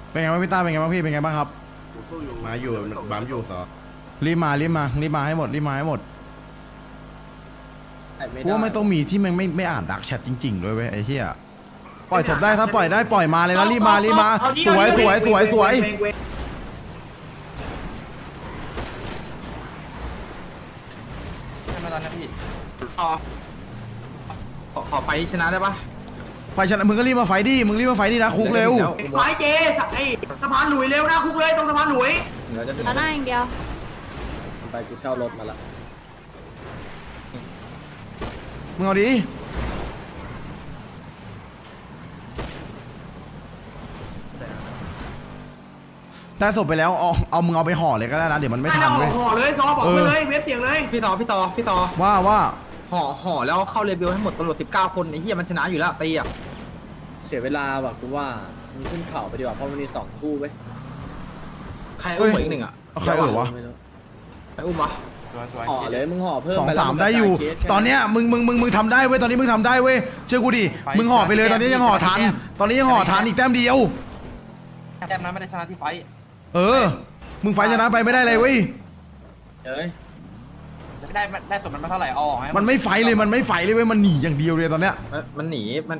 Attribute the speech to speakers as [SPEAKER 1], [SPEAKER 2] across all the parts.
[SPEAKER 1] เป็นไงบ้างพี่ต้าเป็นไงบ้างพี่เป็นไงบ้างครับ
[SPEAKER 2] มาอยู่บัมอยู่สอ
[SPEAKER 1] รีบมาให้หมดกูว่าไม่ต้องมีที่มันไม่อ่านดักแชทจริงๆด้วยเว้ยไอ้เหี้ยปล่อยศพได้ถ้าปล่อยได้ปล่อยมาเลยนะรีบมาสวย
[SPEAKER 3] ใช่ไหมตอนนี้พี่ขอไปชนะได้ปะ
[SPEAKER 1] ไฟชนะมึงก็รีบมาไฟดินะคุกเร็ว
[SPEAKER 4] ไฟเจไอ้สะพานหลุยเร็วนะคุกเลยตรงสะพานหลุย
[SPEAKER 5] แล้วหน้าอย่างเดียว
[SPEAKER 6] ไปกูเช่ารถมาละ
[SPEAKER 1] มึงเอาดิได้ศพไปแล้วเอามึงเอาไปห่อเลยก็ได้นะเดี๋ยวมันไม่ทันเว้ย
[SPEAKER 4] ห่อเลยซอบอกไปเลยเว็บเสียงเลย
[SPEAKER 3] พี่ซอ
[SPEAKER 1] ว่า
[SPEAKER 3] ห่อแล้วเข้าเรเบลให้หมดตำรวจ19 คนไอ้เหี้ยมันชนะอยู่แล้วตีอ่ะ
[SPEAKER 6] เสียเวลาว่ะกูว่ามึงขึ้นเขาไปดีกว่าเพราะมันมี2คู่เว้ย
[SPEAKER 3] ใครอุ้มอีกหนึ่งอ่ะ
[SPEAKER 1] เอาใครวะ
[SPEAKER 6] ไม่รู้
[SPEAKER 3] ใครอุ้มวะ
[SPEAKER 6] ห่อเลยมึงห่อเพิ่ม
[SPEAKER 1] 2-3ได้อยู่ตอนเนี้ยมึงทำได้เว้ยตอนนี้มึงทำได้เว้ยเชื่อกูดิมึงห่อไปเลยตอนนี้ยังห่อทันอีกแต้มเดียว
[SPEAKER 3] แต้มนั้นไม่ได้ชนะที่ไฟ
[SPEAKER 1] มึงไฟชนะไปไม่ได้เลยเว้ย
[SPEAKER 6] เอ้ย
[SPEAKER 3] ได้สมมันมาเท่าไหร่เอาออกไหม
[SPEAKER 1] มันไม่ไฟเลยเว้ยมันหนีอย่างเดียวเลยตอนเนี้ย
[SPEAKER 3] มันหนีมัน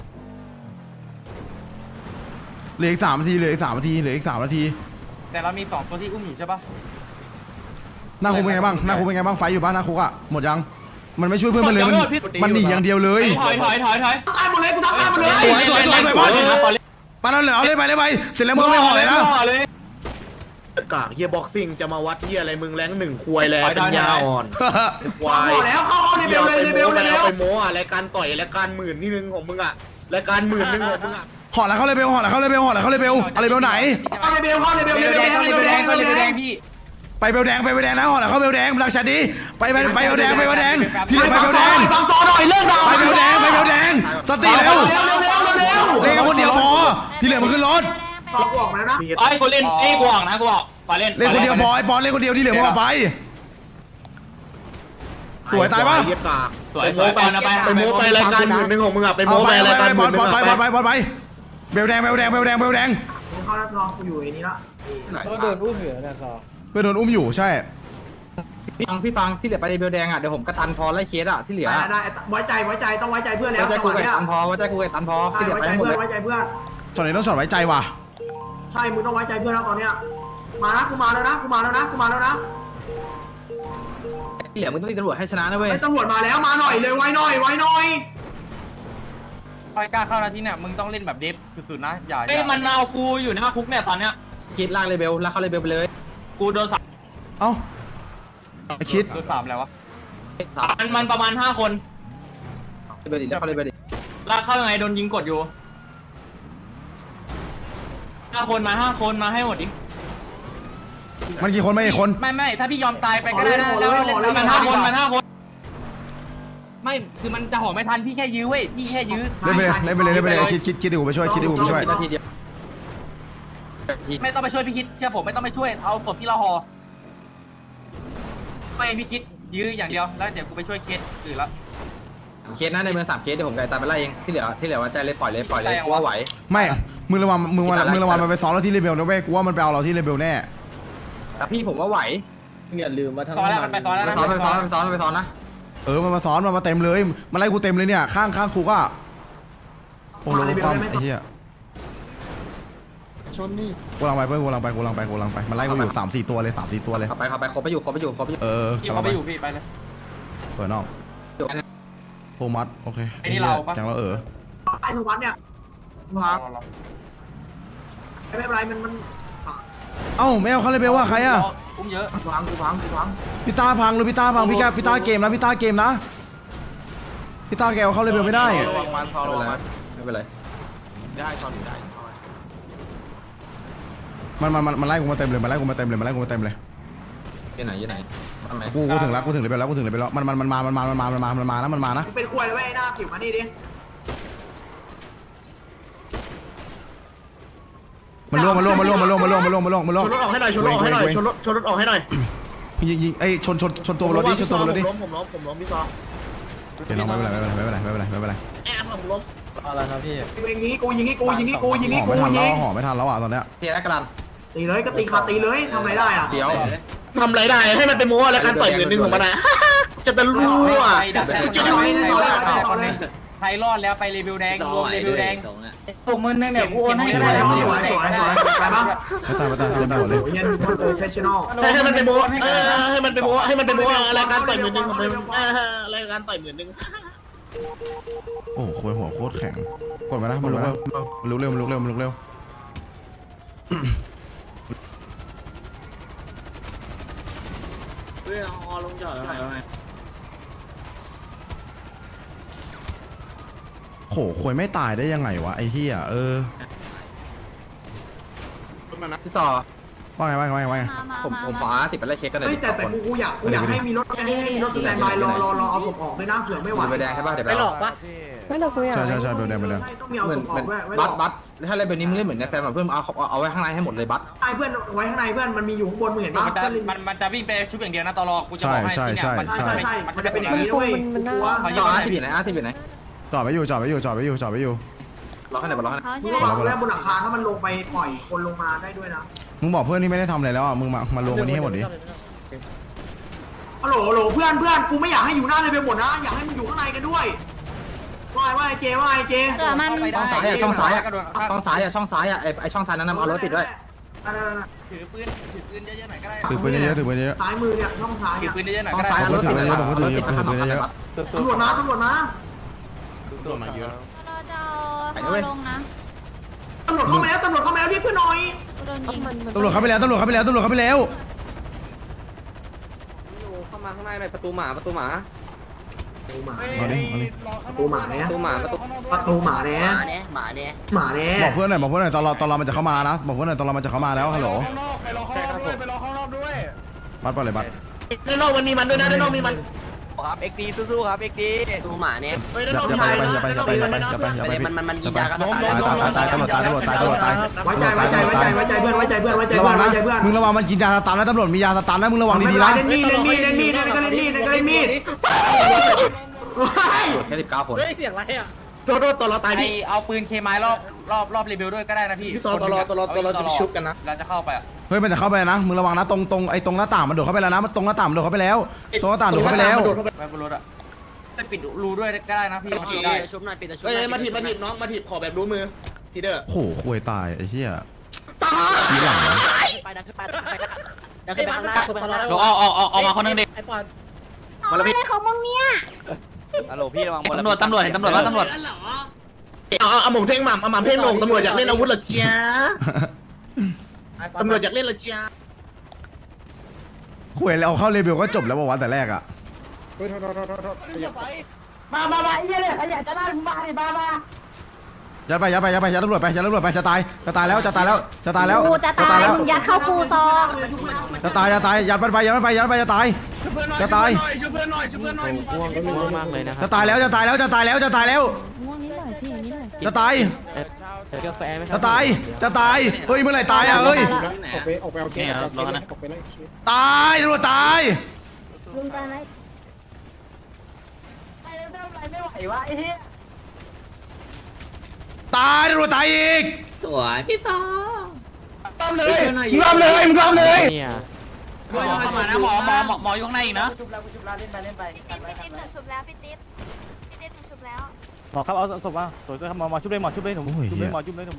[SPEAKER 1] เหลืออีก3 นาที
[SPEAKER 3] แต่เรามี2ตัวที่อุ้มอยู่ใช่ปะ
[SPEAKER 1] หน้าคุกเป็นไงบ้างไฟอยู่บ้านหน้าคุกอ่ะหมดยังมันไม่ช่วยเพื่อนมันเลยมันหนีอย่างเดียวเลย
[SPEAKER 3] ถอย
[SPEAKER 4] ตายหมดเลยกูทำตายหมดเลย
[SPEAKER 1] สวยไปบอลไปแล้วเหรอเอาเลยไปเสร็จแล้วมึงไม่ห่อเลยนะ
[SPEAKER 2] กากเฮียบ็อกซิ่งจะมาวัดเฮียอะไรมึงแรงหนึ่งควยแลเป็นยาอ่อนควาย
[SPEAKER 4] ห่อแล้วเข้าในเบลเลยในเบลเลยแล้ว
[SPEAKER 2] ไปโม้อะรายการต่อยรายการ10,000นี่นึงของมึงอะรายการ10,000นึงของมึงอะ
[SPEAKER 1] ห่อแล้วเข้าเลยเบลเอาเลยเบลไหน
[SPEAKER 4] เข้าในเบลแดงพี่
[SPEAKER 1] ไปเบลแดงนะห่อแล้วเข้าเบลแดงรักชัดดีไปเบลแดงที่เหลือไปเบลแดง
[SPEAKER 4] ฟังซอหน่อยเลิกด่า
[SPEAKER 1] ไปเบลแดงสติเร็ว
[SPEAKER 4] เร็ว
[SPEAKER 1] เล่นกันคนเดียวพอที่เหลือมันขึ้นรถ
[SPEAKER 4] ซอกูออกแล้วนะ
[SPEAKER 3] ไอ้กูเล่นกูออกนะกูออกไปเล่น
[SPEAKER 1] เล่นคนเดียวพอไอ้ปอนเล่นคนเดียวที่เหลือมึงออกไปสวยตายปะ
[SPEAKER 2] เฮียกาก
[SPEAKER 3] สวยไปนะไป
[SPEAKER 2] โม้ไปรายการ10,000นึงของมึงอะไป
[SPEAKER 1] เอา
[SPEAKER 2] โม้
[SPEAKER 1] ไป
[SPEAKER 2] ไปรายการ
[SPEAKER 1] บอล
[SPEAKER 2] 10,000
[SPEAKER 1] ไปเบลแดง
[SPEAKER 4] เข้าแล้วซอกูอยู่ไอ้นี้ละ
[SPEAKER 6] ก็โดนอุ้มอยู่นะซอ
[SPEAKER 1] เพื่อนโดนอุ้มอยู่ใช่
[SPEAKER 3] พี่ฟังที่เหลือไปเบลแดงอ่ะเดี๋ยวผมกระตันพอไล่เคสอ่ะที่เหลือ
[SPEAKER 4] ได้ไว้ใจต้องไว้ใจเพื่อนแล้ว
[SPEAKER 3] ไว้ใจกูกับตันพอที่เหลือ
[SPEAKER 4] ไว้
[SPEAKER 3] ไป
[SPEAKER 4] ใจ
[SPEAKER 3] หมด
[SPEAKER 4] เพื่อน
[SPEAKER 3] เลย
[SPEAKER 4] ไว้ใจเพื่อน
[SPEAKER 1] ช็อตนี้ต้องช็อตไว้ใจว่ะ
[SPEAKER 4] ใช่มึงต้องไว้ใจเพื่อนแล้วตอนเนี้ยมานะกูมาแล้วนะ
[SPEAKER 3] ที่เหลือมึงต้องตีตำรวจให้ชนะนะเว้ย
[SPEAKER 4] ตำรวจมาแล้วมาหน่อยเลยไว้หน่อย
[SPEAKER 3] คอยกล้าเข้านาทีเนี่ยมึงต้องเล่นแบบเดฟสุดๆนะอย่ามันมาเอากูอยู่หน้าคุกเนี่ยตอนเนี้ยคิดลากเลเบลเข้าเลเบลไปเลยกูโดน3
[SPEAKER 1] เอ้าไอคิด
[SPEAKER 3] โดน3แล้ววะมันประมาณ5 คนเลเบลดิเข้าเลเบลดิลากเข้ายังไงโดนยิงกดอยู่5 คนมาให้หมดดิ
[SPEAKER 1] มันกี่คนไม่กี่คน
[SPEAKER 3] ไม่ถ้าพี่ยอมตายไปก็ได้นะแล้วมัน5 คนไม่คือมันจะห่อไม่ทันพี่แค่ยื้อเว้ยพี่แค่ยื้อ
[SPEAKER 1] เล่นไปเลยคิดเดี๋ยวผมไปช่วย
[SPEAKER 3] นาทีเดียวไม่ต้องไปช่วยพี่คิดเชื่อผมไม่ต้องไปช่วยเอาศพที่เราห่อไม่พี่คิดยื้ออย่างเดียวแล้วเดี๋ยวกูไปช่วยเคสอื่นละเคสนะในเมือง3 เคสเดี๋ยวผมไกลตามไปไล่เองที่เหลือว่าใจเลยปล่อยเลยกูว่าไหว
[SPEAKER 1] ไม่มึงระวังมันไปซ้อมเราที่เรเบลนะเว้ยกูว่ามันไปเอาเราที่เรเบลแน่
[SPEAKER 3] แต่พี่ผมว่าไหว
[SPEAKER 6] อย่าลืมว่าทั้ง
[SPEAKER 3] ซ้อนแล้วมันไปซ้อนแล้วนะไปซ้อนนะ
[SPEAKER 1] มันมาซ้อนมันมาเต็มเลยมันไล่กูเต็มเลยเนี่ยข้างคุกอ่ะโอ้โหความไอ้เหี้ยชนนี่กูลังไปมันไล่กูอยู่3-4 ตัวเลย3-4 ตัวเลย
[SPEAKER 3] เข้าไปครบไปอยู่พี่เขาไปอยู่พี่ไปเลย
[SPEAKER 1] เปิดนอกโฮมัสโอเคแกงเรา
[SPEAKER 4] ไอ้ทุกวันเนี่ยไม่เป็นไรมัน
[SPEAKER 1] เอ้าไม่เอาเขาเลยเบลว่าใครอ่ะ
[SPEAKER 3] อุ้มเยอะ
[SPEAKER 4] พัง
[SPEAKER 1] พี่ตาพังพี่ตาเกมนะพี่ตาแกเอาเขาเลยเบลไม่ได้
[SPEAKER 2] ระวังมันระวังมัน
[SPEAKER 3] ไม่เป็นไร
[SPEAKER 2] ได้ตอนนี้ได้
[SPEAKER 1] มันไล่กูมาเต็มเลยอยู่ไหนกูถึงเลยไปแล้วมันมานะ
[SPEAKER 4] เป็นควยเลยไอ้หน้าผิวมานี่ดิ
[SPEAKER 1] มันล่วง
[SPEAKER 2] ชนรถออกให้หน่อยชนรถออกให้หน่อย
[SPEAKER 1] ยิงไอ้ชนตัวบนรถดิ
[SPEAKER 2] ผมล้มพี่ซอ
[SPEAKER 1] เดี๋ยวน้องไม่เป็นไร
[SPEAKER 2] แอบผมล้ม
[SPEAKER 6] อะไรนะพี่
[SPEAKER 4] ยิงให้กูยิงให้กูยิงให้กูยิงให้
[SPEAKER 1] ห่อ
[SPEAKER 4] กู
[SPEAKER 1] ไม่ทัน
[SPEAKER 4] ยิ
[SPEAKER 1] แล้ว
[SPEAKER 4] ง
[SPEAKER 1] ห่อไม่ทันแล้วอ่ะตอนเนี้ย
[SPEAKER 3] เทียร์กระลัน
[SPEAKER 4] ตีเลยก็ตีขาตีเลยทำอะไรได้อ่ะ
[SPEAKER 3] เดี๋ยว
[SPEAKER 2] ทำไรได้ให้มันเป็นโม้อะไรการต่อยหมื่นหนึ่งของมันนะจะตะรู้อ่ะ
[SPEAKER 4] จะได้ไม่ได้ต่อเลยต่อเลย
[SPEAKER 5] ใครรอดแล้วไปรีวิวแดงรวมรีวิวแดง
[SPEAKER 7] ผมมึงนึงเนี่ยกูโอนให้
[SPEAKER 4] ส
[SPEAKER 7] ก็
[SPEAKER 4] วย
[SPEAKER 7] ได้
[SPEAKER 4] สวยสวยสวยไปปะ
[SPEAKER 1] ไม่ตายไม่ตายไม่ตายหมดเลย
[SPEAKER 4] โอ้ยยันคนโปรเฟชชั่นอล
[SPEAKER 2] ให้มันเป็นโม้ให้มันเป็นโม้ให้มันเป็นโม้อะไรการต่อยหมื่นหนึ่งของมันอะไรการต่อยหมื่นหนึ่ง
[SPEAKER 1] โอ้โหคุยหัวโคตรแข็งกดมานะมันลุกเร็วมันลุกเร็วมันลุกเร็วมันลุกเร็วโหคุยไม่ตายได้ยังไงวะไอ้เหี้ย
[SPEAKER 3] พี่ซอ
[SPEAKER 1] ว่าไงว่าไงว่าไง
[SPEAKER 3] ผมขอ50ไปไล่เค้กกันหน่อย
[SPEAKER 4] เฮ้ยแต่กูอยากให้มีรถให้มีรถสแตนบายรอเอาศพออกด้วยนะเผื่อไม่ไหว
[SPEAKER 3] ไปแดงใช่ป่ะเดี๋ยวไปหลอกปะ
[SPEAKER 8] ไม่หรอกกูอยาก
[SPEAKER 1] ใช่ใช่ใช่เบลแดงเบลแดง
[SPEAKER 4] ต้องมีเอา
[SPEAKER 3] เหมือ
[SPEAKER 4] ศ
[SPEAKER 3] น
[SPEAKER 4] พออกด้วย
[SPEAKER 3] บัตถ้าอะไรแบบนี้มึงเล่นเหมือนในแฟนแบบเพื่อนเอาไว้ข้างในให้หมดเลยบัต
[SPEAKER 4] ไอ้เพื่อนไว้ข้างในเพื่อนมันมีอยู่ข้างบนมึงเห็นปะ
[SPEAKER 5] มันจะวิ่งไปชุบอย่างเดียวนะตลอดกูจะบอกให้
[SPEAKER 4] ใช่มันจะเป็นอย่างนี้ด้วย
[SPEAKER 8] มันน่า
[SPEAKER 3] จอที่อยู่ไหนที่อยู่ไหน
[SPEAKER 1] จอดไว้อยู่จอดไว้อยู่จอดไว้อยู่จอดไว้อยู่
[SPEAKER 3] รอให้ไหนรอให้ไหน
[SPEAKER 4] มึงระวังด้วยบนหลังคาถ้ามันลงไปปล่อยคนลงมาได้ด้วยนะ
[SPEAKER 1] มึงบอกเพื่อนที่ไม่ได้ทำอะไรแล้วอ่ะมึงมารวมกันนี่ให้หมดดิ
[SPEAKER 4] ฮัลโหลเพื่อนกูไม่อยากให้อยู่หน้าเลยไปหมดนะอยากให้มันอยู่ข้างในกันด้วยว่าไอ้เจ
[SPEAKER 8] เออมัน
[SPEAKER 3] ช่องซ้ายช่องซ้ายช่องซ้ายไอช่องซ้ายนั้นเอารถติดด้วย
[SPEAKER 5] ถือปืนเยอะๆหน่อยก็ได้
[SPEAKER 1] ถือปืนเยอะถือปืนเยอะ
[SPEAKER 4] ซ้ายมือเนี่ยช่องซ้าย
[SPEAKER 5] ถือปืนเยอะๆหน่อย
[SPEAKER 3] ช่อ
[SPEAKER 5] ก็
[SPEAKER 3] ง
[SPEAKER 5] ได้
[SPEAKER 3] ซ้ายรถติดเลยรถติดมาทำเยอะ
[SPEAKER 4] ตำรวจนะ
[SPEAKER 8] เราจะเอาลงนะ
[SPEAKER 4] ตำรวจเข้ามาแล้วเรียกเพื่อนหน่อย
[SPEAKER 8] กูโดนยิง
[SPEAKER 1] ตำรวจเข้าไปแล้วตำรวจเข้าไปแล้วตำรวจเข้าไปแล้ว
[SPEAKER 7] เข้ามาข้างในหน่อยประตูหมาประตูหมา
[SPEAKER 1] มาดิมาดิ
[SPEAKER 4] ประตูหมาเนี่ย
[SPEAKER 7] ประตูหมาประตู
[SPEAKER 4] ประตูหมาเนี่ย
[SPEAKER 7] หมาเนี่ย
[SPEAKER 4] หมาเนี่ย
[SPEAKER 1] บอกเพื่อนหน่อยบอกเพื่อนหน่อยตอนเรามันจะเข้ามานะบอกเพื่อนหน่อยตอนเรามันจะเข้ามาแล้วฮัลโหลบัตรไปเลยบัตร
[SPEAKER 2] ด้านนอกมันมีมันด้วยนะด้านนอกมีมัน
[SPEAKER 5] ครับเอ็กดีสู้ๆครับเอ็กดี
[SPEAKER 7] ประตูหมาเนี่ย
[SPEAKER 1] อย่าไป
[SPEAKER 7] มันยิงยากัน
[SPEAKER 1] ตายตำรวจตายตำรวจตายตำรวจตาย
[SPEAKER 4] ไว้ใจเพื่อน
[SPEAKER 1] ระวังนะมึงระวังมันกินยาสตันนะตำรวจมียาสตันนะมึงระวังดีๆนะ
[SPEAKER 4] เล่นมีดก็เล่นมีด
[SPEAKER 3] แค่19คน
[SPEAKER 2] โทษตอนเราตาย
[SPEAKER 5] ไอ
[SPEAKER 2] พี่
[SPEAKER 5] เอาปืนเคมายรอบรีวิวด้วยก็ได้นะพี่
[SPEAKER 2] พี่ซอตลอดจะชุบกันนะ
[SPEAKER 5] เราจะเข้าไปอ่ะ
[SPEAKER 1] เฮ้ยมันจะเข้าไปนะมึงระวังนะตรงไอ้ตรงหน้าต่างมันโดดเข้าไปแล้วนะมันตรงหน้าต่างมันโดดเข้าไปแล้วตรงหน้าต่างโดดเข้าไปแล้ว
[SPEAKER 5] ไปบนรถอ่ะจะปิดรูด้วยก็ได้นะพี่
[SPEAKER 7] ได้ชุบหน่อยปิดชุบ
[SPEAKER 2] เฮ้ยมาถีบน้องมาถีบขอแบบรู้มือทีเด้อ
[SPEAKER 1] โหคุยตายไอ้เหี้ย
[SPEAKER 7] ไปดักขึ้นไปดักขึ้นไปข้างหน้าขึ้นไปข้างหน้า
[SPEAKER 5] เอามาคนนึงดิ
[SPEAKER 8] มาแล้วพี่ของมึงเนี่ย
[SPEAKER 5] ฮัลโหลพี่ระวังตำรวจเห็นตำรวจว่าตำรวจ
[SPEAKER 2] เอาหม่งเพ่งหม่ำเอาหม่ำเพ่งลงตำรวจอยากเล่นอาวุธเหรอจ๊ะตำรวจอยากเล่นเหรอจ๊ะ
[SPEAKER 1] คุยเราเข้าเรเบลก็จบแล้วบอกว่าแต่แรกอ่ะ
[SPEAKER 7] มาเอี้ยเลยใครอยากจะล่ามึงมาดิมา
[SPEAKER 1] ยัดไปยัดตำรวจไปจะตายแล้ว
[SPEAKER 8] กูจะตายมึงยัดเข้ากูซอง
[SPEAKER 1] จะตายยัดมันไปจะตายจะตายแล้วจะตายแล้ว
[SPEAKER 8] ง่วงนิดหน่อยพี่นิดหน่อย
[SPEAKER 1] จะตายเฮ้ยเมื่อไหร่ตายอ่ะเฮ้ย
[SPEAKER 6] ออกไปเอาเกมออกไปไล่เชฟ
[SPEAKER 1] ตายตำรวจตาย
[SPEAKER 8] ลุงตายไหม
[SPEAKER 7] ไม่ไหววะไอ้เหี้ย
[SPEAKER 1] ตายตำรวจตายอีก
[SPEAKER 7] สวยพี่ซอ
[SPEAKER 2] มึงรอบเลย
[SPEAKER 5] เข้ามานะหมออยู่ข้างในอีกนะ
[SPEAKER 7] ชุบแล้วเล่นไป
[SPEAKER 9] พี่ติ๊บหนูชุบแล้วพี่ติ๊บหนูชุบแล้ว
[SPEAKER 6] หมอครับเอาศพมาสวยก็หมอชุบเลยหมอชุบเลยผมชุบเลยหมอชุบเลยผม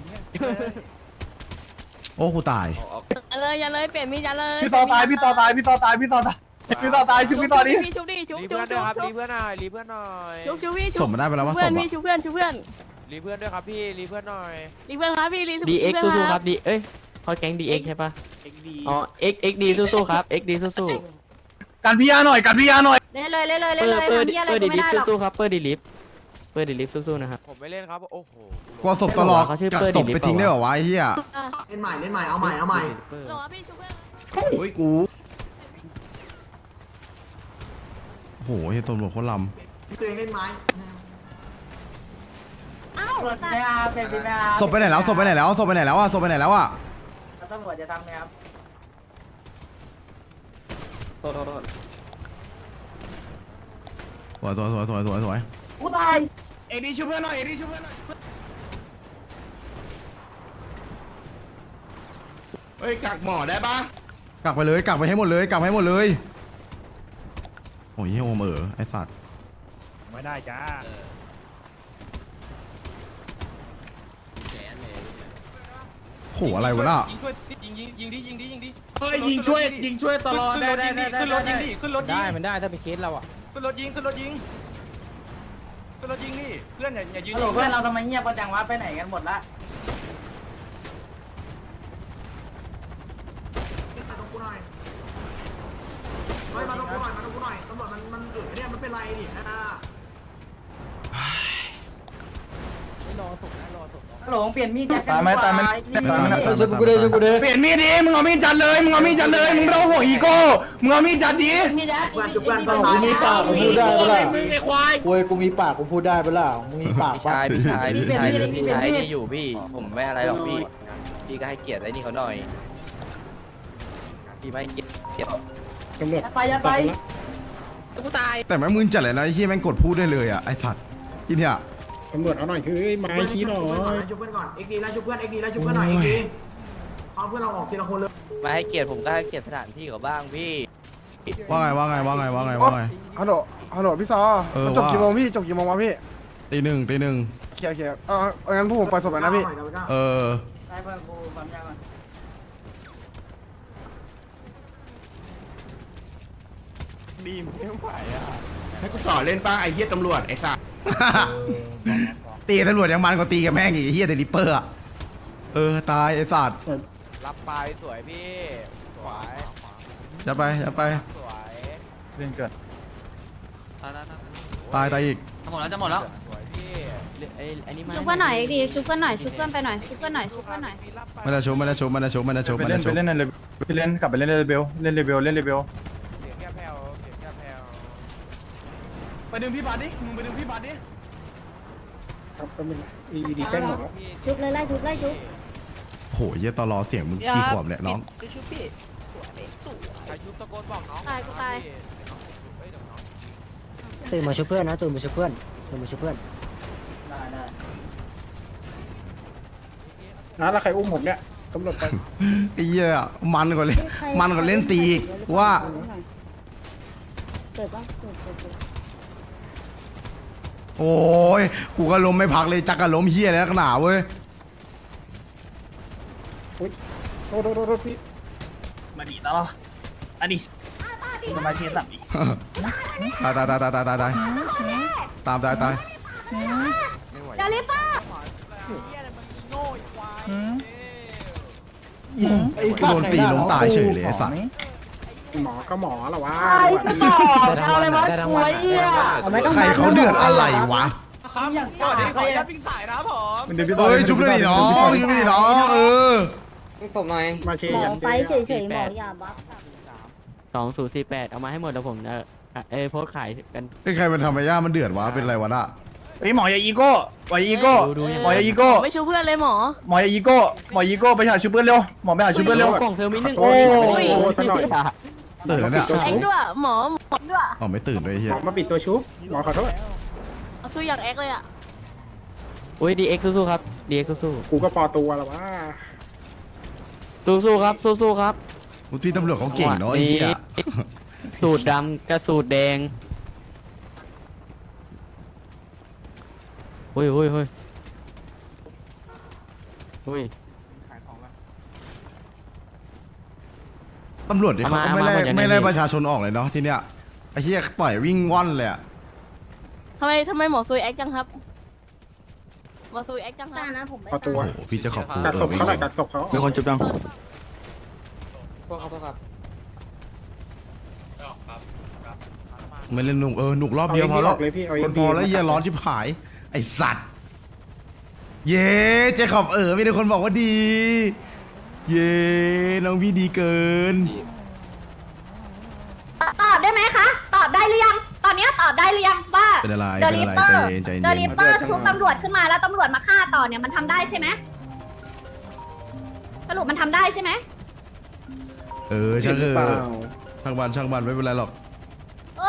[SPEAKER 1] โอ้กูตาย
[SPEAKER 8] อย่าเลยเปลี่ยนมีดอย่าเลย
[SPEAKER 6] พี่ต่อตายชุบพี่ต่อดิ
[SPEAKER 8] ชุบดิชุบ
[SPEAKER 5] รีเพื่อนด้วยครับรีเพื่อนหน่อยรีเพื่อนหน่อย
[SPEAKER 8] ชุบพี่
[SPEAKER 1] สมมันได้ไปแล้วว่าสม
[SPEAKER 8] ชุบเพื่อน
[SPEAKER 5] รีเพื่อนด้วยครับพี่รีเพื่อนหน่อย
[SPEAKER 8] รีเพื่อนครับพี่รี
[SPEAKER 10] DX สู้ๆครับดีเอ้ยเขาแก๊ง DX ใช่ปะ
[SPEAKER 5] เอ็กดี
[SPEAKER 10] อ๋อ XD สู้ๆครับ XD สู้ๆ
[SPEAKER 6] กันพี่ยาหน่อย
[SPEAKER 8] เล่นเลยทำเหี้ยอะไร
[SPEAKER 10] เปิด
[SPEAKER 8] กู
[SPEAKER 10] ดี
[SPEAKER 8] ไม่
[SPEAKER 10] ลิฟ
[SPEAKER 8] ได้หรอก
[SPEAKER 10] สู้ๆครับเปิดดีลิฟสู้ๆนะครับ
[SPEAKER 5] ผมไม่เล่นครับโอ้โห
[SPEAKER 1] กลัวศพสลอกกัดศพไปทิ้งได้หรอวะไอ้เหี้ย
[SPEAKER 4] เล่นใหม่เอาใหม่
[SPEAKER 8] หรอพี่ชุบเพื่อน
[SPEAKER 1] เฮ้ยกูโหเฮ้ยตำรวจโคตรล
[SPEAKER 4] ตัวเองเล่นไม้
[SPEAKER 8] อ้าว
[SPEAKER 7] ไม่เอาเป็นพี่ไม่เอา
[SPEAKER 1] ำศพไปไหนแล้วอ่ะ
[SPEAKER 7] ตำรวจจะทำไงครับ
[SPEAKER 1] สวย
[SPEAKER 7] กูตาย
[SPEAKER 5] เอ็กดีช่วยเพื่อนหน่อยเอ็กดีช่วยเพื่อนหน่อย
[SPEAKER 2] เฮ้ยกักหมอได้ปะ
[SPEAKER 1] กักไปเลยกักไปให้หมดเลยกักไปให้หมดเลยโอ้ยเฮียโอมไอสัตว์
[SPEAKER 5] ไม่ได้จ้า
[SPEAKER 1] โหอะไรวะน่ะ
[SPEAKER 3] เฮ้ยยิงช่วยตลอดได้ขึ้นรถยิงดิขึ้นรถยิง
[SPEAKER 10] ได้มันได้ถ้าเป็นเคสเราอ่ะ
[SPEAKER 3] ขึ้นรถยิงขึ้นรถยิงขึ้นรถยิงนี่เพื่อนอย่ายืน
[SPEAKER 7] ฮัลโหลเพื่อนเราทำไมเงียบกันจังวะไปไหนกันหมดละ
[SPEAKER 4] มาตรงกูหน่อยเฮ้ยมาตรงกูหน่อยมาตรงกูหน่อยตำรวจมันเนี่ยมันเป็นไรดินะ
[SPEAKER 7] ฮัลโหลเปลี่ยนมีดกัน
[SPEAKER 5] ตายไหมตายไหม
[SPEAKER 1] ชุบกูดิชุบกูดิ
[SPEAKER 5] เปลี่ยนมีดดิมึงเอามีดจัดเลยมึงเอามีดจัดเลยมึงไม่ต้องห่วงอีโก้มึงเอามีดจัดดิ
[SPEAKER 7] มีด
[SPEAKER 4] เพื่อนจุกเพื่อน
[SPEAKER 7] ต
[SPEAKER 4] ตาย
[SPEAKER 7] มีปาก
[SPEAKER 6] พูดได้ปะล่ะ
[SPEAKER 3] มึงไอ้ควาย
[SPEAKER 6] โวยกูมีปากกูพูดได้ปะล่ะมึงมีปากปะ
[SPEAKER 10] พี่ชายนี่อยู่พี่ ผมไม่อะไรหรอกพี่ พี่ก็ให้เกียรติไอ้นี่เขาหน่อย พี่ไม่เกียรติ
[SPEAKER 7] ไปยัดไป
[SPEAKER 10] กูตาย
[SPEAKER 1] แต่แม่งมึนจัดเลยนะไอ้เฮียแม่งกดพูดได้เลยอ่ะไอสัตว์ที่เนี่ย
[SPEAKER 5] ตำรวจเอาหน่อยคือไม้ชี้หน่อย
[SPEAKER 4] ชุบเพื่อนก่อนเอ็กดีแล้วชุบเพื่อนเอ็กดีแล้วชุบเพื่อนหน่อยเอ็กดีเอาเพื่อนเราออกทีละคนเลย
[SPEAKER 10] มาให้เกียรติผมก็ให้เกียรติสถานที่เขาบ้างพี่
[SPEAKER 1] ว่าไง
[SPEAKER 11] ฮัลโหลพี่ซอ
[SPEAKER 1] มัน
[SPEAKER 11] จบกี่โมงพี่จบกี่โมงวะพี่
[SPEAKER 1] ตีหนึ่ง
[SPEAKER 11] โอเคงั้นพวกผมปล่อยศพแล้วนะพี่
[SPEAKER 1] เออ
[SPEAKER 7] ได้เพื่อนกูปั๊มยาก่อน
[SPEAKER 2] ให้กูสอนเล่นป้าไอ้เหี้ยตำรวจไอ้สัส
[SPEAKER 1] ตีตำรวจยังมันกว่าตีกับแม่งอีกไอ้เฮียเดลิเปอร์อ่ะตายไอสัตว์
[SPEAKER 10] รับไปสวยพี่ สวย
[SPEAKER 1] จะไป
[SPEAKER 10] สวย
[SPEAKER 5] เล่นเกิด
[SPEAKER 1] ตายอีก
[SPEAKER 5] จะหมดแล้ว
[SPEAKER 10] สวยพี่ไอ้นี่มา
[SPEAKER 8] ชุบเพื่อนหน่อยดิชุบเพื่อนหน่อยชุบเพื่อนไปหน่อยชุบเพื่อนหน่อยชุบเพื่อนหน่อย
[SPEAKER 1] ไม่ได้ชุบ
[SPEAKER 5] ไปเล่นในไปเล่นกลับไปเล่นเรเบลเล่นเรเบล
[SPEAKER 10] เสียงแค่แผ่วเสียงแค่แผ่ว
[SPEAKER 5] ไปดึงพี่บาสดิมึงไปดึงพี่บาสดิครับก็ไม่ดีแจ้งหมดแล้ว
[SPEAKER 8] ชุบเลยไล่ชุบไล่ชุบ
[SPEAKER 1] โหเฮียตลอเสียงมึงกี่ขวบเนี่ยน้อง
[SPEAKER 10] ชุบพี่ใครชุบตะโกนบอกน้อง
[SPEAKER 8] ตายกูตาย
[SPEAKER 6] ตื่นมาช่วยเพื่อนนะตื่นมาช่วยเพื่อนตื่นมาช่วยเพื่อน
[SPEAKER 7] ได้ได้
[SPEAKER 5] นะแล้วใครอุ้มผมเนี่ยตำรวจไป
[SPEAKER 1] ไอ้เหี้ยมันกว่าเล่นตีอีกว่า
[SPEAKER 8] เกิดปะเกิด
[SPEAKER 1] โอ้ยกูก็ล้มไม่พักเลยจักกะล้มเฮียแล้วขนาดเว้ย
[SPEAKER 5] โทษพี่มาดีแล้วอันนี้มาเชียร์สับอีก
[SPEAKER 1] ตายตาย
[SPEAKER 8] อย่าลิปเปอร์
[SPEAKER 1] กูโดนตีล้มตายเฉยเลยไอ้สัตว์
[SPEAKER 5] หมอก็หมอละวะ
[SPEAKER 7] เอาอะไรมากูไอ้เหี้ย
[SPEAKER 1] ใครเขาเดือดอะไรวะ
[SPEAKER 7] อย่าง
[SPEAKER 3] ก่อน
[SPEAKER 7] กา
[SPEAKER 3] ที่ขอยัดปิ้งสายนะผม
[SPEAKER 1] เฮ้ยชุบเลยดิน้องชุบเลยดิน้อง
[SPEAKER 6] ผมหน่อย
[SPEAKER 5] มาเชีย
[SPEAKER 8] หม
[SPEAKER 5] ร์
[SPEAKER 8] อไฟเฉยๆหมออย่าบัฟ
[SPEAKER 10] 2048 เอามาให้หมดเดี๋ยวผมโพสต์ขายกัน
[SPEAKER 1] ไอ้ใครมันทำไมย่ามันเดือดวะเป็นไรวะน่ะ
[SPEAKER 5] เฮ้ยหมออย่าอีโก้หมออย่าอีโก้หมออย่าอีโก้
[SPEAKER 8] ไม่ชุบเพื่อนเลยหมอ
[SPEAKER 5] หมออย่าอีโก้หมออีโก้ไปหาชูเพื่อนเร็วหมอไปหาชูเพื่อนเร็ว
[SPEAKER 10] กล่องเทอร์มินหนึ่ง
[SPEAKER 5] โอ้
[SPEAKER 10] ย
[SPEAKER 5] โหซะหน่อย
[SPEAKER 1] ตื่นแล้วเนี่ย
[SPEAKER 8] แอ็กด้วยหมอด้วย
[SPEAKER 1] อ๋อไม่ตื่นด้วยไอ้เฮี
[SPEAKER 5] ห
[SPEAKER 1] ย
[SPEAKER 5] มอมาปิดตัวชุบหมอขอโทษ
[SPEAKER 8] เอาสู้อย่างแอ็กเลยอ่ะ
[SPEAKER 10] อุ้ย DX สู้ๆครับ DX สู้
[SPEAKER 5] กูก็ปอตัวแล้ววะ
[SPEAKER 10] ๆสู้ๆครับสู้ๆครับ
[SPEAKER 1] พี่ตำรวจเขาเก่งเนาะไอ้เฮีย
[SPEAKER 10] สูตรดำกับสูตรแดงเฮ้ย
[SPEAKER 1] ตำรวจเนี่ยเขาก็ไม่ไล่ประชาชนออกเลยเนาะที่เนี้ยไอ้เฮียปล่อยวิ่งว่อนเลยอะ
[SPEAKER 8] ทำไมหมอซุยแอ็กจังครับหมอซุยแอ็กจังครับนะผม
[SPEAKER 5] ปอตัว
[SPEAKER 1] โอ้โหพี่จะขอบคุณ
[SPEAKER 5] กัดศพเขาหน่อยกัดศพเขา
[SPEAKER 3] มีคนจุบยัง
[SPEAKER 1] ไม่เล่นหนุกหนุกรอบเดียวพอแล้ว
[SPEAKER 5] เลยพี่เอา
[SPEAKER 1] คนพอแล้วเฮียร้อนชิบหายไอสัตว์เย้เจคอบมีแต่คนบอกว่าดี เย้น้องพี่ดีเกิน
[SPEAKER 8] ตอบได้ไหมคะตอบได้หรือยังตอนนี้ตอบได้หรือยังว่า
[SPEAKER 1] เป็นอะไร
[SPEAKER 8] เดลิเปอร์
[SPEAKER 1] ใจ
[SPEAKER 8] เด
[SPEAKER 1] เย็
[SPEAKER 8] ลิ
[SPEAKER 1] น
[SPEAKER 8] เปอร์ชุบตำรวจขึ้นมาแล้วตำรวจมาฆ่าต่อเนี่ยมันทำได้ใช่ไหมสรุปมันทำได้ใช่ไหม
[SPEAKER 1] ช่างช่างมันไม่เป็นไรหรอก
[SPEAKER 8] เออ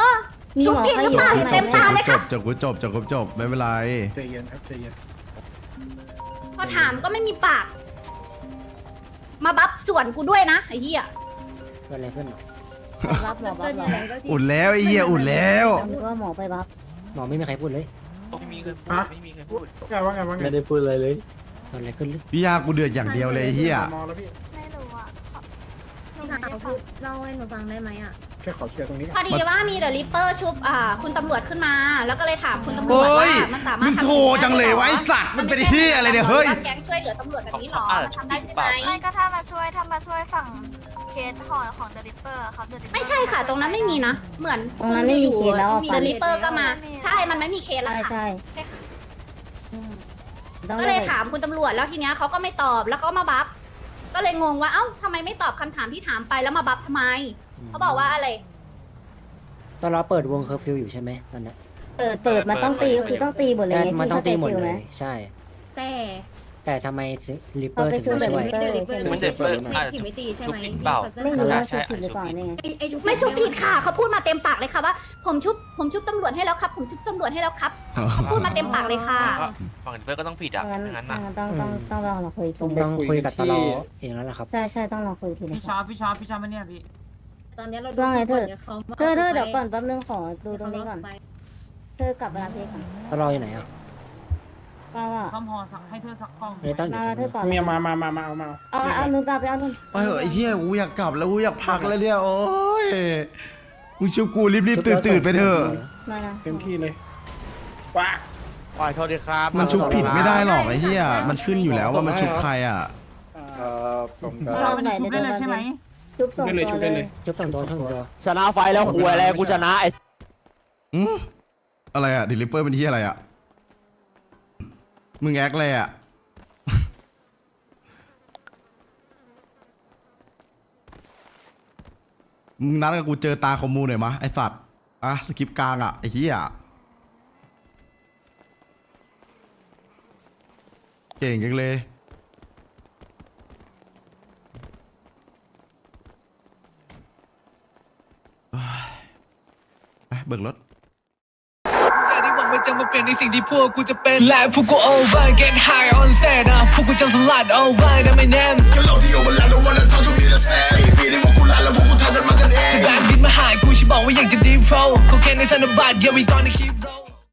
[SPEAKER 8] มีหมอขยับ
[SPEAKER 1] จบจบไม่เป็นไร
[SPEAKER 5] ใจเย็นครับใจเย็น
[SPEAKER 9] พอถามก็ไม่มีปาก มาบัฟส่วนกูด้วยนะไอ้เหี้ย
[SPEAKER 6] เกิดอะไรขึ้น
[SPEAKER 8] รับหมอบัฟเหรอ
[SPEAKER 1] อุ่นแล้วไอ้เหี้ยอุ่นแล้ว
[SPEAKER 8] นึกว่าหมอไปบัฟ
[SPEAKER 6] หมอไม่มีใครพูดเลย
[SPEAKER 5] ไม่มีใครพูดว่าไง
[SPEAKER 6] ไม่ได้พูดอะไรเลยเกิดอะไรขึ้น
[SPEAKER 1] พี่ยากูเดือดอย่างเดียวเลยไอ้เหี้ย
[SPEAKER 5] มองแล้วพี่
[SPEAKER 9] ไม่รู้อ่ะหนู
[SPEAKER 8] พี่
[SPEAKER 9] ไม่
[SPEAKER 8] สาว
[SPEAKER 9] ได้ฟั
[SPEAKER 8] พู
[SPEAKER 9] ง
[SPEAKER 8] ดเล่าให้หนูฟังได้ไหมอ่ะ
[SPEAKER 5] แค่ขอเคลียร์ตรงนี้
[SPEAKER 9] พอดีว่ามีเดอะริปเปอร์ชุบคุณตำรวจขึ้นมา แล้วก็เลยถามคุณตำรวจ
[SPEAKER 1] โอ้
[SPEAKER 9] ว่าย มันสามารถ
[SPEAKER 1] มึงโทรจังเลยวะไอ้สัตว์มันเป็นเหี้ยอะไรเนี่ยเฮ้ย
[SPEAKER 9] แก๊งช่วยเหลือตำรวจแบบนี้หรอมันทำได้ใช่ไหม
[SPEAKER 8] ไม่ก็ถ้ามาช่วยฝั่งเคสห่อของเดลิเปอร์ครับ
[SPEAKER 9] ไม่ใช่ค่ะ ตรงนั้นไม่มีนะ เหมือน
[SPEAKER 8] ตรงนั้นไม่มีเคสแล้ว
[SPEAKER 9] มีเดอะริปเปอร์ก็มา ใช่ มันไม่มีเคสแล้ว
[SPEAKER 8] ใช่
[SPEAKER 9] ค่ะ
[SPEAKER 8] ใช่
[SPEAKER 9] ใช่ค่ะ
[SPEAKER 8] ต้อง
[SPEAKER 9] ก็เลยถามคุณตำรวจแล้วทีเนี้ยเขาก็ไม่ตอบแล้วก็มาบัฟก็เลยงงว่าเอ้าทำไมไม่ตอบคำถามที่ถามไปแล้วมาบัฟทำไมเขาบอกว่าอะไร
[SPEAKER 6] ตอนเราเปิดวงเคอร์ฟิวอยู่ใช่ไหมตอนนั้น
[SPEAKER 8] เปิดมันต้องตีก็คือต้องตีหมดเลยไง
[SPEAKER 6] มันต้องตีหมด
[SPEAKER 8] พี่
[SPEAKER 6] เล
[SPEAKER 8] ข้าใจ
[SPEAKER 6] ยใช่
[SPEAKER 8] แต่
[SPEAKER 6] แต่ทำไมลิปเป
[SPEAKER 8] พ
[SPEAKER 6] อ
[SPEAKER 8] อ
[SPEAKER 6] ร์
[SPEAKER 8] ไป
[SPEAKER 6] ถึง
[SPEAKER 8] ช่วย
[SPEAKER 6] มา
[SPEAKER 8] เด
[SPEAKER 6] ช่วย
[SPEAKER 8] ลิเปอร์ใช่ไหม
[SPEAKER 10] ไม่ใช่เปิดอาจจะชุบผิดเปล่า
[SPEAKER 8] ไม่รู้ว่าชุดผิดหรือเปล่านี่ไง
[SPEAKER 9] ไม่ชุบผิดค่ะเขาพูดมาเต็มปากเลยค่ะว่าผมชุบตำรวจให้แล้วครับ ผมชุบตำรวจให้แล้วครับเขาพูดมาเต็มปากเลยค่ะ
[SPEAKER 10] ฝั่งเพื่อนก็ต้องผิดอ่ะ
[SPEAKER 8] งั้น
[SPEAKER 10] งั้น
[SPEAKER 8] ต้องลองเราคุยทีนึง
[SPEAKER 6] ต้องคุยกับตลอเองแล้วล่ะครับ
[SPEAKER 8] ใช่ต้องลองคุยทีนึง
[SPEAKER 4] พี่ชอบมาเนี่ยพี่
[SPEAKER 8] ตอนนี้เราว่าไงเธอเดี๋ยวก่อนแป๊บนึงขอดูตรงนี้ก่อนเธอกลับเวลาเพลงก่อน
[SPEAKER 6] ตลออยู่ไหนอ่ะ
[SPEAKER 8] ว่าว่า
[SPEAKER 4] ซ่อมพอสักให้เธอสักกล้อง
[SPEAKER 6] ไม่ต้องอยู่
[SPEAKER 8] มาเธอก่อน
[SPEAKER 5] เมียมา
[SPEAKER 8] เอานุ่นกลับไปเอานุ่น
[SPEAKER 1] ไอ้เหี้ยกูอยากกลับแล้วกูอยากพักแล้วเนี่ยโอ้ยมึงชิวกูรีบตื่นไปเถอะ
[SPEAKER 8] มานะ
[SPEAKER 5] เต็มที่เลยว้า
[SPEAKER 10] ขอโทษดีครับ
[SPEAKER 1] มันชุบผิดไม่ได้หรอกไอ้เหี้ยมันขึ้นอยู่แล้วว่ามันชุบใครอ่ะ
[SPEAKER 8] ลองหน่อยเดี๋ยวใช่ไหมจุ๊บส่งตัวเลย
[SPEAKER 6] จุ๊บส่งตัวช่องตัว
[SPEAKER 10] ชนะไฟแล้วคุยอะไรกูชนะไอ้
[SPEAKER 1] อะไรอ่ะดิลิเปอร์เป็นที่อะไรอ่ะมึงแอคเลยอ่ะมึงนัดกับกูเจอตาคอมมูหน่อยมะไอสัตว์อ่ะสกิปกลางอ่ะไอ้เหี้ยเก่งจังเลยไปเบิกรถ
[SPEAKER 12] ที่หวังมันจะมาเปลี่ยนในสิ่งที่พวกกูจะเป็นและพวกกู over get high on set นะพวกกูจะสลัด over นะไม่แน่ก็เราที่ over แล้ว don't wanna talk to me the same ใส่ปีที่พวกกูลาแล้วพวกกูทำกันมากันเองแบบดินมาหายกูฉันบอกว่าอยากจะ deep flow เขาแค่ในธนบัตร yeah we gonna keep roll